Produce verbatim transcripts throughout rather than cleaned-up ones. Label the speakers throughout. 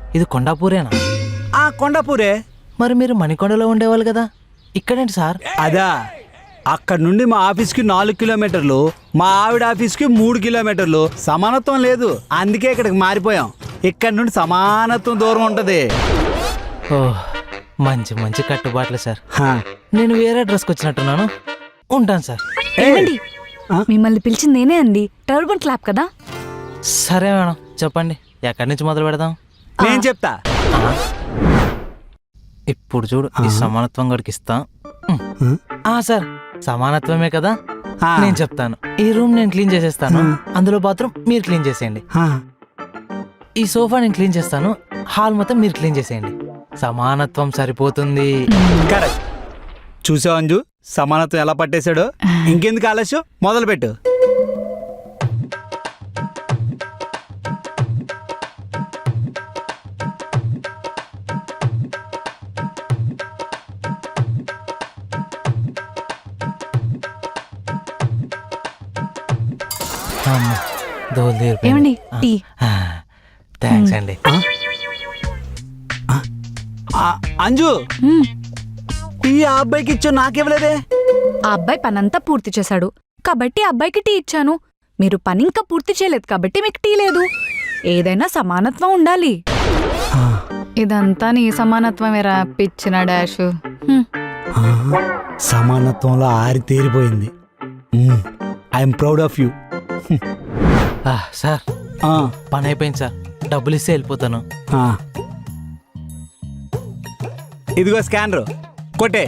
Speaker 1: ఇది కొండాపూరేనా?
Speaker 2: ఆ కొండాపూరే.
Speaker 1: మరి మీరు మణికొండలో ఉండేవాళ్ళు కదా, ఇక్కడేంటి సార్?
Speaker 2: అదా, అక్కడ నుండి మా ఆఫీస్కి నాలుగు కిలోమీటర్లు, మా ఆవిడ ఆఫీస్కి మూడు కిలోమీటర్లు. సమానత్వం లేదు, అందుకే ఇక్కడికి మారిపోయాం. ఇక్కడ నుండి సమానత్వం దూరం ఉంటది.
Speaker 1: ఓ, మంచి మంచి కట్టుబాట్లు సార్.
Speaker 2: హా.
Speaker 1: నేను వేరే డ్రెస్కి వచ్చినట్టున్నాను, ఉంటాను సార్.
Speaker 3: ఏమండి, మిమ్మల్ని పిలిచింది నేనే అండి. టర్బన్ క్లాప్ కదా.
Speaker 1: సరే మేడం, చెప్పండి ఎక్కడి నుంచి మొదలు పెడదాం?
Speaker 2: నేను చెప్తా.
Speaker 1: ఇప్పుడు చూడు, ఈ సమానత్వం గడికి ఇస్తా. ఆ సార్, సమానత్వమే కదా,
Speaker 2: ఆ.
Speaker 1: నేను చెప్తాను. ఈ రూమ్ నేను క్లీన్ చేసేస్తాను, అందులో బాత్రూమ్ మీరు క్లీన్ చేసేయండి.
Speaker 2: హా.
Speaker 1: ఈ సోఫా నేను క్లీన్ చేస్తాను, హాల్ మొత్తం మీరు క్లీన్ చేసేయండి. సమానత్వం సరిపోతుంది.
Speaker 2: కరెక్ట్. చూసావు అంజు, సమానత్వం ఎలా పట్టేశాడో. ఇంకెందుకు ఆలస్యం, మొదలు పెట్టు.
Speaker 3: ఏమండి, టీ.
Speaker 1: థ్యాంక్స్ అండి.
Speaker 2: ఆ, అంజు,
Speaker 3: మ్మ్.
Speaker 2: టీ ఆ అబ్బాయికి ఇచ్చో, నాకివ్వలేదే.
Speaker 3: ఆ అబ్బాయి పనంతా పూర్తి చేశాడు కాబట్టి ఆ అబ్బాయికి టీ ఇచ్చాను. మీరు పని ఇంకా పూర్తి చేయలేదు కాబట్టి మీకు టీ లేదు. ఏదైనా సమానత్వం ఉండాలి. ఇదంతా నీ సమానత్వమేరా పిచ్చిన డాష్. హ్మ్.
Speaker 2: ఆ, సమానత్వంలో ఆరి తేరిపోయింది. I'm proud of you.
Speaker 1: ఆ, సార్ పని అయిపోయింది సార్, డబ్బులు ఇస్తే వెళ్ళిపోతాను.
Speaker 2: ఇదిగో స్కానరు, కొట్టే.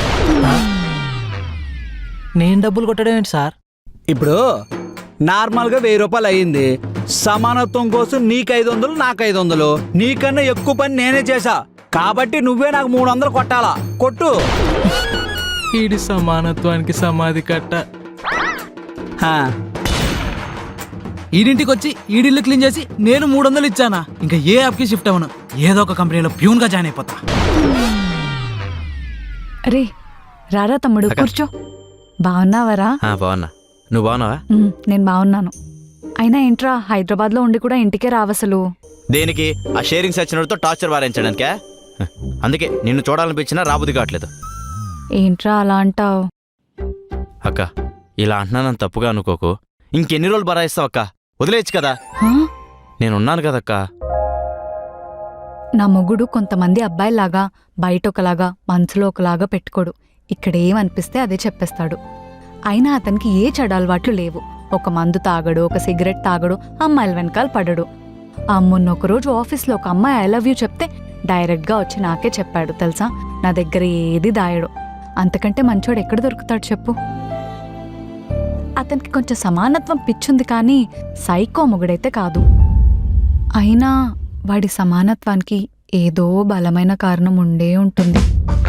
Speaker 1: నేను డబ్బులు కొట్టడం ఏంటి సార్?
Speaker 2: ఇప్పుడు నార్మల్గా వెయ్యి రూపాయలు అయ్యింది. సమానత్వం కోసం నీకు ఐదు వందలు, నాకు ఐదు వందలు. నీకన్నా ఎక్కువ పని నేనే చేశా కాబట్టి నువ్వే నాకు మూడు వందలు కొట్టాలా. కొట్టు.
Speaker 1: ఈడి సమానత్వానికి సమాధి కట్ట.
Speaker 2: హా.
Speaker 4: ఈడింటికి వచ్చి ఈడిల్లు క్లీన్ చేసి నేను మూడు వందలు ఇచ్చానా? ఇంకా ఏ యాప్కి షిఫ్ట్ అవ్వను, ఏదో ఒక కంపెనీలో ప్యూన్ గా జాయిన్ అయిపోతా.
Speaker 3: రే రారా తమ్ముడు, కూర్చో. బాగున్నావరా?
Speaker 5: బాగున్నా, నువ్వు బాగున్నావా?
Speaker 3: ఉమ్, నేను బాగున్నాను. అయినా ఏంట్రా, హైదరాబాద్ లో ఉండి కూడా ఇంటికే రావసలు.
Speaker 5: దేనికి? ఆ షేరింగ్ సచ్చినోడితో టార్చర్ వారించడానికే. అందుకే నిన్ను చూడాలనిపించినా రాబుద్ది కావట్లేదు.
Speaker 3: ఏంట్రా అలా అంటావు?
Speaker 5: అక్క, ఇలా అంటున్నానని తప్పుగా అనుకోకు. ఇంకెన్ని రోజులు బరాయిస్తావు అక్క? వదిలేయచ్చు కదా. నేనున్నాను కదక్క.
Speaker 3: నా మొగుడు కొంతమంది అబ్బాయిలాగా బయట ఒకలాగా మనసులో ఒకలాగా పెట్టుకోడు. ఇక్కడ ఏమనిపిస్తే అదే చెప్పేస్తాడు. అయినా అతనికి ఏ చెడు అలవాట్లు లేవు. ఒక మందు తాగడు, ఒక సిగరెట్ తాగడు, అమ్మాయిల వెనకాల పడడు. ఆ మొన్న ఒకరోజు ఆఫీస్లో ఒక అమ్మాయి ఐ లవ్ యూ చెప్తే డైరెక్ట్గా వచ్చి నాకే చెప్పాడు తెలుసా. నా దగ్గర ఏది దాయడు. అంతకంటే మంచోడు ఎక్కడ దొరుకుతాడు చెప్పు. అతనికి కొంచెం సమానత్వం పిచ్చుంది కానీ సైకో మొగుడైతే కాదు. అయినా వాడి సమానత్వానికి ఏదో బలమైన కారణం ఉండే ఉంటుంది.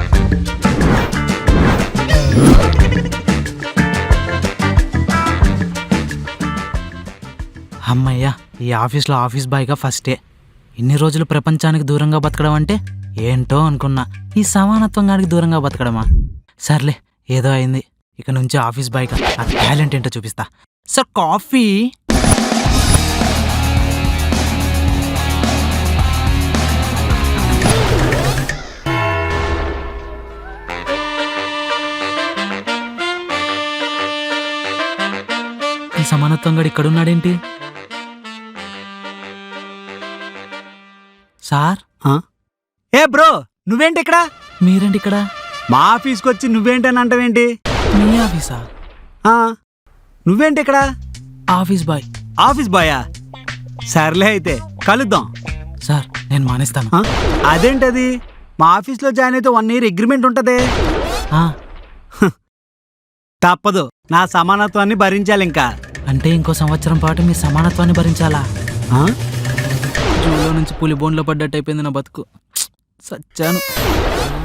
Speaker 4: అమ్మయ్యా, ఈ ఆఫీస్లో ఆఫీస్ బాయ్గా ఫస్టే. ఇన్ని రోజులు ప్రపంచానికి దూరంగా బతకడం అంటే ఏంటో అనుకున్నా. ఈ సమానత్వం గానికి దూరంగా బతకడమా? సర్లే, ఏదో అయింది. ఇక నుంచి ఆఫీస్ బాయ్గా ఆ టాలెంట్ ఏంటో చూపిస్తా. Sir coffee. ఈ సమానత్వం గడు ఇక్కడున్నాడేంటి? సార్,
Speaker 2: ఏ బ్రో, నువ్వేంటి ఇక్కడ?
Speaker 4: మీరేంటి ఇక్కడ?
Speaker 2: మా ఆఫీస్కి వచ్చి నువ్వేంటని అంటావేంటి?
Speaker 4: మీ ఆఫీసా?
Speaker 2: ఆ, నువ్వేంటి ఇక్కడ?
Speaker 4: Office boy.
Speaker 2: ఆఫీస్ బాయా? సర్లే, అయితే కలుద్దాం.
Speaker 4: సార్, నేను మానేస్తాను.
Speaker 2: ఆ, అదేంటది? మా ఆఫీస్లో జాయిన్ అయితే వన్ ఇయర్ అగ్రిమెంట్ ఉంటదే.
Speaker 4: ఆ,
Speaker 2: తప్పదు, నా సమానత్వాన్ని భరించాలి ఇంకా.
Speaker 4: అంటే ఇంకో సంవత్సరం పాటు మీ సమానత్వాన్ని భరించాలా?
Speaker 2: ఆ?
Speaker 4: జూలో నుంచి పులి బోన్లో పడ్డట్టు అయిపోయింది నా బతుకు. సచ్చాను.